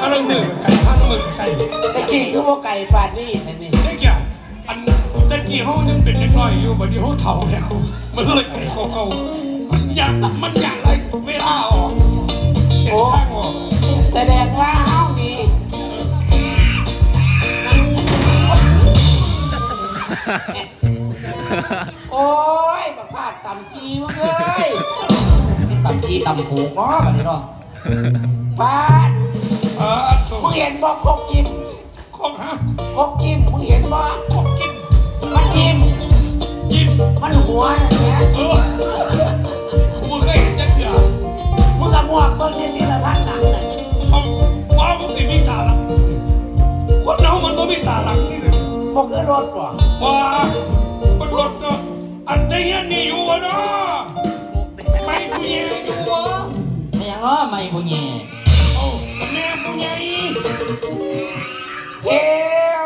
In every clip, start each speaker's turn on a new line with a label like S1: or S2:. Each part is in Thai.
S1: อันนั้นมือไก่ข้างมือไก่
S2: สกี้คือว่าไก่ปาดนี่สินี่
S1: ไอ้แก่อันตะกี้เขายังเป็นเด็กน้อยอยู่บัดนี้เขาเฒ่าแล้วมันเลยไก่เขามันอยากอะไรเวลาออกเส้นทางออก
S2: แสดงว่าเฮามีโอ้ยบักพาดต่ำจีมึงเอ้ย
S3: ต่ำจีต่ำผูกเนาะแบบนี้เนาะ
S2: พาดมึงเห็นบ่คกจิ้ม
S1: คกฮะ
S2: คกจิ้มมึงเห็นบ่
S1: คกจิ้ม
S2: มันจิ้มมันหัวนั่นแหละ
S1: มึงเคยเห็นจังเดียว
S2: มึงกับหมวกเบิ่งในที่ละท่านหนังเลย
S1: ว้าวมึงติดมีตาหลังคนเรามันต้องมีตาหลังนี่เลย
S2: บ่คือรถบ่
S1: ว้ามันรถก็อันใจเย็นนี่อยู่วะเนาะไม่ผู้ใหญ่อยู่วะ
S3: ไม่ยังล้อไม่ผู้ใหญ่
S1: โอ้แม่ผู้ใหญ่
S2: เฮ้ย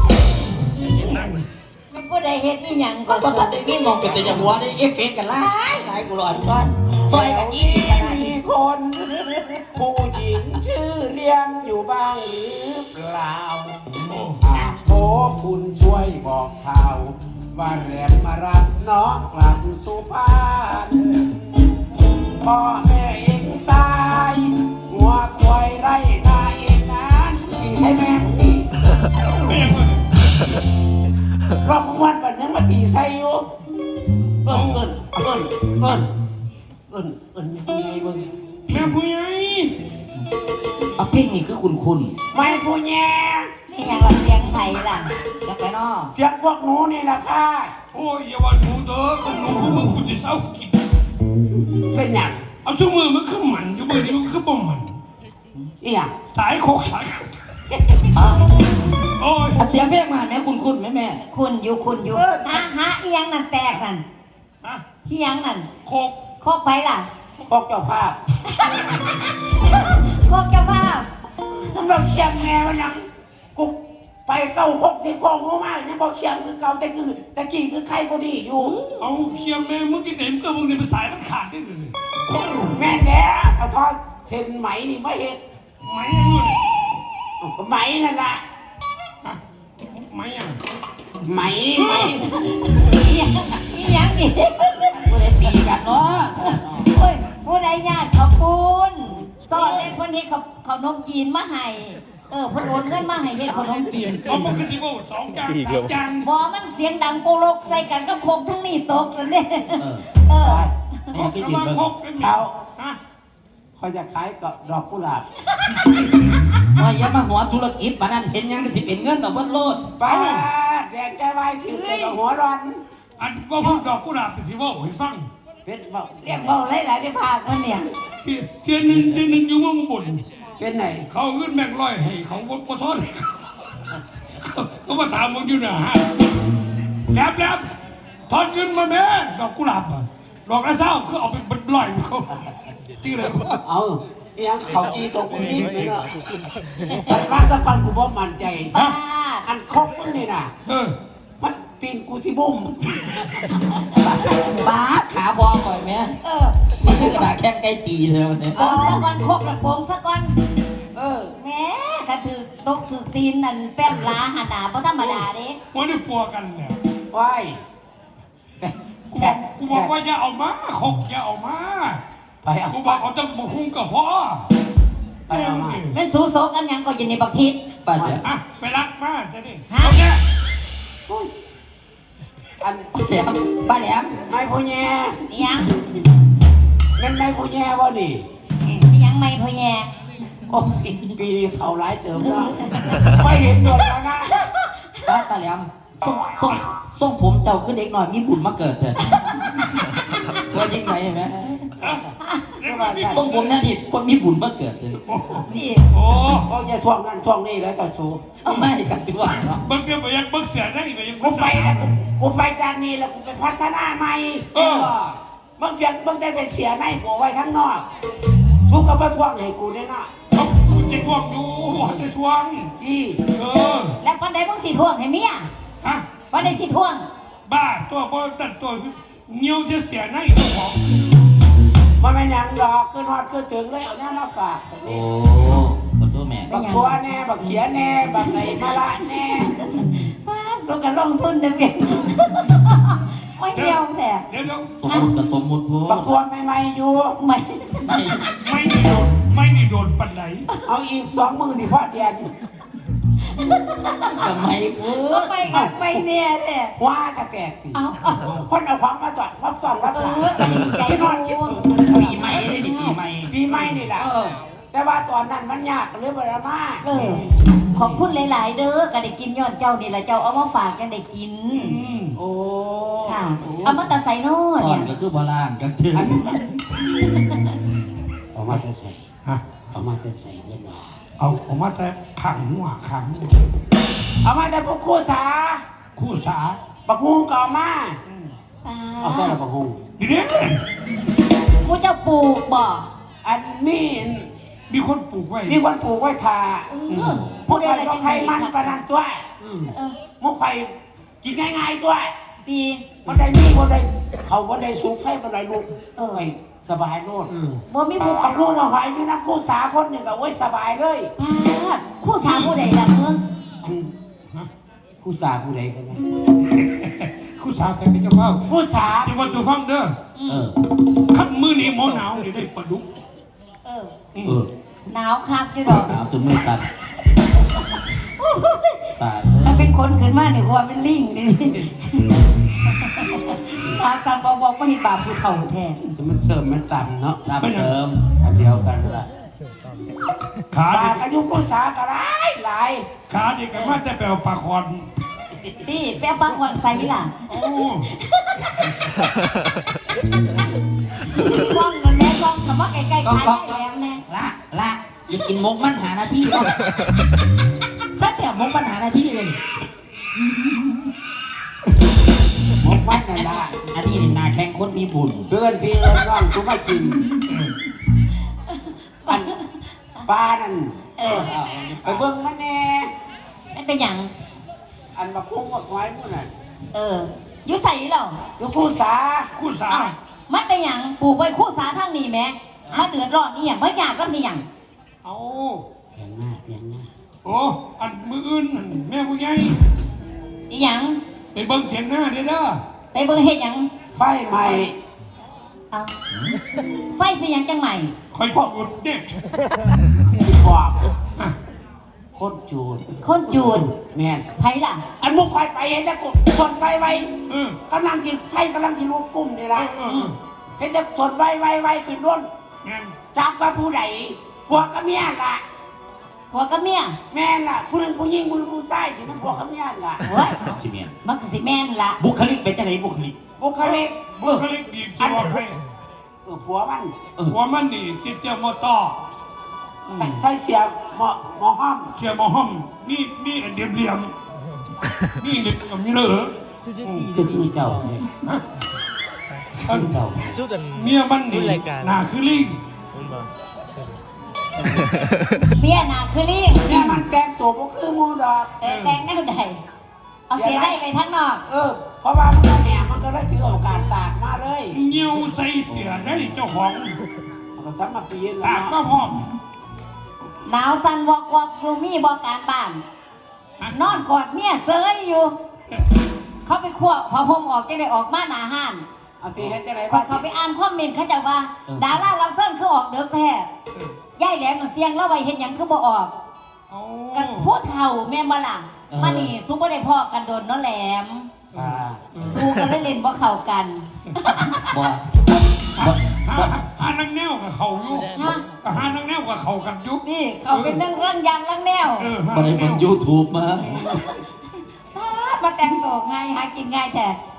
S4: มันผู้ใดเฮ็ดนี่ยัง
S3: ก็ตัดได้มีมองเป็นแต่หัวได้เอฟเฟกต์กันหลายกูร้อนซ้อนซอยกันยี่
S2: มีคนผู้หญิงชื่อเรียงอยู่บ้างหรือเปล่าโอ้คุณช่วยบอกข่าวว่าแรมมารับน้องกลับสุพรรณพ่อแม่เองตายหัวควายไร่นาเองนั้นตีใช่แม่ตี
S1: ไม่ยังไง
S2: รอบวันวันยังมาตีใส่อยู่เอิ้นยังไงมึง
S1: แม่ผู้ใหญ่
S3: เอาเพ่งนี่คือคุณ
S2: ไม่ผู้แย่
S4: ไม่ยังรับเสียงไผ่ล่ะ
S3: อยากไปเนาะ
S2: เสียงพวกหนูนี่แหละค่ะ
S1: โอ้ยอย่าวันหนูเด้อคนหนูพวกมึงกูจะเศร้ากิน
S2: เป็นอย่าง
S1: เอาชั่วมือมันคือหมันชั่วมือนี้มันคือบ่หมัน
S2: อีหยัง
S1: สายโคกสายโอ้ย
S3: เสียงเพลงมาแม่คุณแม่
S4: คุณอยู่ฮะอีหยังนั่นแตกนั่นอีหยังนั่น
S1: โค
S4: กไผ่ล่ะ
S2: พวกเจ้าภาพ
S4: โคกเจ้าภาพ
S2: มันบอกเชียงแม่มันยังกูไป90 กองหัวมากยังบอกเชียงคือเก่าแต่กี้คือใครก็ดีอยู่
S1: เอาเชียงแม่มึงกินไหนมึงก็มึงเนี่ยมันสายมันขาดได้เลย
S2: แม่แน่เอาทอดเส้นไหมนี่ไม่เห็น
S1: ไหมยังไง
S2: ไหมนั่นแหละ
S1: ไหมยัง
S2: ไหม
S4: อีหยังนี่
S3: ผู้ใดตีกันเนาะ
S4: โอ้ยผู้ใดญาติขอบคุณสอนเล่นเพิ่นเฮ็ดขนมจีนมาให้เพิ่นโอนเงินมาให้เฮ็ดขนมจีน
S1: เอามาขึ้นที่ว่า2 จาน3 จาน
S4: บ่มันเสียงดังโกลกใส่กันกับโคกทั้งนี้ตกซั่นเด้
S1: โคกมาโคกเป็น
S2: เอาเขาจะขายกับดอกกุหลาบ
S3: ว่าอย่ามาหัวธุรกิจปานนั้นเห็นยังก็สิเป็นเงินต่อเพิ่นโลด
S2: ป้าแดงใจไว้ถือแต่หัวร้อน
S1: อันว่าพวกดอกกุหลาบเป็นที่ว่าให้ฟัง
S2: เป็นเ
S4: รียกเบาหลายๆได้ภาคมันเนี่ย
S1: เทียนหนึ่งอยู่ว่ามึงบ่น
S2: เป็นไหน
S1: เขาเงินแม่งร้อยให้เขาบ่ทอดเขามาถามมึงอยู่นะฮะแล้วทอดเงินมาแม่ดอกกุหลาบดอกละเศร้าคือเอาไปบัดลอยเขาที่เลย
S2: เอาอย่างเขากีตกมือนิ่มเลยเนาะแต่มาสักวันกูบ่มั่นใจอันครบมึงนี่น่ะมันตีนกูสิบุ้ม
S3: ป้าขาบอก่อยแม่มันคือกระดาษแข้งใกล้ตีเลยวันนี้
S4: โป่งสักก้อนโคกละโป่งสักก้อนแม่ถ้าถือตกถือตีนนั่นแป้นลาหันหน้าเพราะธรรมดาเด้
S1: วันนี้ปัวกันแล้ว
S2: ว้าย
S1: กูบอกว่าอย่าเอามาคกอย่าเอามา
S2: ไปเอา
S1: กูบอกเขาจะบุ้งกับพ่อ
S2: ไปเอามา
S4: แม่สู้โซกันยังก็อยู่ในบักทิศ
S3: ไป
S1: ไปรักมาจะนี่
S4: เอา
S1: เนี่ย
S2: อัน
S3: ป้าแหลม
S2: ไม่พูแย่
S4: ยัง
S2: เป็นไม่พูแย่บ่ดิ
S4: ยังไม่พูแย่
S2: โอ้ปีนี้เท่าไรเติมแล้วไม่เห็นโดนแล้วนะ
S3: ป้าแหลมส่งผมเจ้าขึ้นเด็กหน่อยมีบุญมาเกิดเถอะว่ายิ่งไงเห็นไหมส่งผมเนี่ยดิคนมีบุญมาเกิดเลย
S4: นี่
S1: โอ้
S2: จะช่วงนั้นช่วงนี้แล้วจะสู้
S3: เอาไม่กันตัวเนาะ
S1: บังเดียวไปยังบังเสียได้ไปยัง
S2: กูไปแล้วกูไปจากนี้แล้วกูไปพัฒนาใหม่บางอย่างบางแต่เสียในกูไว้ทั้งนอกทุกกับมาทวงให้กูเนี่ยนะ
S1: กูจะทวงอยู่จะทวง
S4: แล้ววันใดมึงสิทวงให้เมียวันใดสิทวง
S1: บ้าตัวพอตัดตัวเงี้ยวจะเสียในตัวของ
S2: มันเป็นอย่างดอกขึ้นฮอดขึ้นถึงเลยเอาเนี่ยมาฝากสักนิด
S3: ขอโทษแม่
S2: บักทัวแน่บักเขียแน่บักไหนมาละแน่
S4: ป้าสุกันลงทุนเดือนเดียวไม่เดียวแต่
S1: เดี๋ยว
S3: สมมุติกับสมมุติพู
S2: บักทัวใหม่ๆอยู่
S4: ไม่
S1: ไม่ได้โดนปันไหน
S2: เอาอีก2 มือที่พ่อเดียน
S3: ทำไมพู
S4: ไปกับไปเนี่ยแหละ
S2: ว่าสแตกสิ
S4: เอา
S2: คนเอาความมาจอดรับจอดรับ
S4: เอ
S2: หลัง
S4: อก็ดีใจ
S2: ที่น
S4: ดู
S2: อนคิดถึง
S3: ปีใหม่เลยนี่ปีใหม่
S2: ปีใหม่นี่แหละแต่ว่าตอนนั้นมันยากก็เลยบ่ได้มา
S4: เออขอบคุณหลายๆเด้อก็ได้กินย้อนเจ้านี่แหละเจ้าเอามาฝากยังได้กิน
S2: โอ้
S4: ค่ะ เอามาแต่ใส่โน่
S3: สอ
S4: เนี่
S3: น
S4: ย
S3: ก็คือโบราณกันถึง
S2: เอามาจะใส่
S1: ฮะ
S2: เอามาจะใส่เงินว่า
S1: เอามาแต่ขังหัว
S2: เอามาแต่พวกคู่สา
S1: คู่สา
S2: บักฮุงก็เอามาเอาใส่ละบักฮุง
S1: ดีเด้
S4: กูจะปลูกบ่
S2: อันนี้
S1: มีคนปลูกไว้
S2: มีคนปลูกไว้ทา
S4: เออ
S2: พวกใครก็ใครมันประนันตัว
S4: เออ
S2: มุกไข่กินง่ายๆตัว
S4: ดี
S2: มันได้มีมันได้เขามันได้สูงไฟมันได้ลูกไอ้สบายโลด
S4: บ่มีผู้
S2: บักฮุงมาไว้อยู่น้ำคู่สาคนหนึ่งก็ไว้สบายเลย
S4: พาดคู่สาวผู้ใดล่ะเมือง
S2: คู่สาผู้ใดกันไหม
S1: คู่สาไปเป็นเจ้าเฝ้า
S2: คู่สา
S1: ที่วันตัวฟังเด้อ
S3: เออ
S1: ขับมือนี้หมอหนาวนี่ได้ปลาดุก
S4: เออ
S3: เออ
S4: หนาวคักอยู่ดอก
S3: หนาวจนไม่ตัดตาย
S4: ถ้าเป็นคนขึ้นมาเนี่ยว่าเป็นลิงนี่ตาสันบอกว่าเห็นบาปผู้เฒ่าแท้
S2: จะมันเสริมมันต่ำเนาะ
S3: ซ้ำเติม
S2: อันเดียวกันละ
S1: ขา
S2: ปลา
S1: เด็ก
S2: อายุคู่สาก็หลายหลาย
S1: ขาเด็กกันมาแต่แปลวปลาคอน
S4: นี่แป๊บปากวันใส่ล่ะ
S1: โอ้
S4: กล้องเงินแม่กล้องคำว่าไกลๆขายได้แหลมแน่
S3: ละจะกินมกมันหาหน้าที่บ้างถ้าแถมมกมันหาหน้าที่เลย
S2: หมกมันนั่นละ
S3: อันนี้นี่นาแข่งคนมีบุญ
S2: เพื่อนพี่เอิญน้องสุมากินอันปลานั่น
S4: เออ
S2: ไปเบิ่งมันแน่
S4: นั่นเป็นหยัง
S2: อันมาพุ่งมาควายมุ่นน่ะ
S4: เอออยู่ใส่เหรอ
S2: ลูกคู่สา
S1: คู่สา
S4: อ้าวมันเป็นหยังปลูกไว้คู่สาทางนี้แหม่มาเดือดร้อนนี่หยังบ่อยากแล้วมีหยัง
S1: เอา
S2: เพียงหน้าเพียงหน้า
S1: โอ้อันมืออื่นนั่นแม่ผู้ใหญ่
S4: อีหยัง
S1: ไปเบิ่งเถียงหน้าเด้อ
S4: ไปเบิ่งเฮ็ดหยัง
S2: ไฟใหม่
S4: เอาไฟเป็นหยังจังใหม่
S1: คอยจุดเนี่ย
S2: ที่บอกโคตรจูด
S4: คนจูด
S2: แม่น
S4: ไผล่ะ
S2: อันมุกควายไปเห็นแต่กดทนไฟไว้
S1: เออก
S2: ำลังสิไฟกำลังสิลุกกุ้มนี่ละ
S1: เออ
S2: เห็นแต่ทนไว้ขึ้นร่น
S1: งั้น
S2: จับว่าผู้ใดผัวกับเมียล่ะ
S4: ผัวกับเมีย
S2: แม่นล่ะผู้หนึ่งผู้หญิงผู้หนึ่งผู้ชายสิมันผัวกับเมียล่ะ
S4: เฮ้ย
S3: ชิเมียน
S4: มันก็สิแม่นล่ะ
S3: บุคลิกเป็นจังไหนบุคลิก
S2: บุคลิก
S1: บุคลิกดีจะบอกให้
S2: ผัวมัน
S1: หัวมันนี่ติดเจ้ามอต่อ
S2: ใส่เสียหมอห้อม
S1: เชียร์มอห้อมมีอันเดียมเหลี่ยมมีเหล็กมีเหลือ
S2: คือเจ้าเจ้คือเจ้า
S5: สู้กัน
S1: เมียมันนี่
S5: รุ่นรายการ
S1: หน้าคือลิง
S5: คุณบอก
S4: เมียหน้าคือลิง
S2: เนี่ยมันแต่งตัวบ่คือหมูดอก
S4: แต่งแนวใดเอาเสียได้ไปทางนอก
S2: เพราะว่ามันก็แหนมันก็เลยถือโอกาสตากมาเลย
S1: เงี้ยวใส่เสือได้เจ้าของ
S2: มันก็ซ้ำมาปีน
S1: ตา
S2: แล้ว
S1: ก็พร้อม
S4: หนาวสั่นวอกอยู่มีบ่การบ้าน นอนกอดเมียเซยอยู่ เขาไปคั่วพอห่มออกจังได้ออกมาหน้าห้าน
S2: เอาสิเฮ็ดจังได๋
S4: ก่อนเขาไปอ่านคอมเมนต์เขาจะว่า ดารารับเส้นคือออกเด็กแท้ย่ายแหลมน่ะเสียงเล่าไว้เห็นหยังคือบ่ออก
S1: เอา
S4: กันผู้เฒ่าแม่บ่ล่ะมานี่สู้บ่ได้พอกันโดนเนาะแหลม สู้กันเล่นๆบ่เข้ากัน
S3: บ่
S1: หานังแนวกับเขาอยู่
S4: ฮะ
S1: หานังแนวกับเขากันอยู่
S4: นี่เขาเป็นเรื่องยางเรื่องแนว
S1: หา
S3: บ่ได้
S1: นังแน
S3: บน
S1: ว
S3: YouTube มา
S4: มาแต่งตัวง่ายหากินง่ายแท้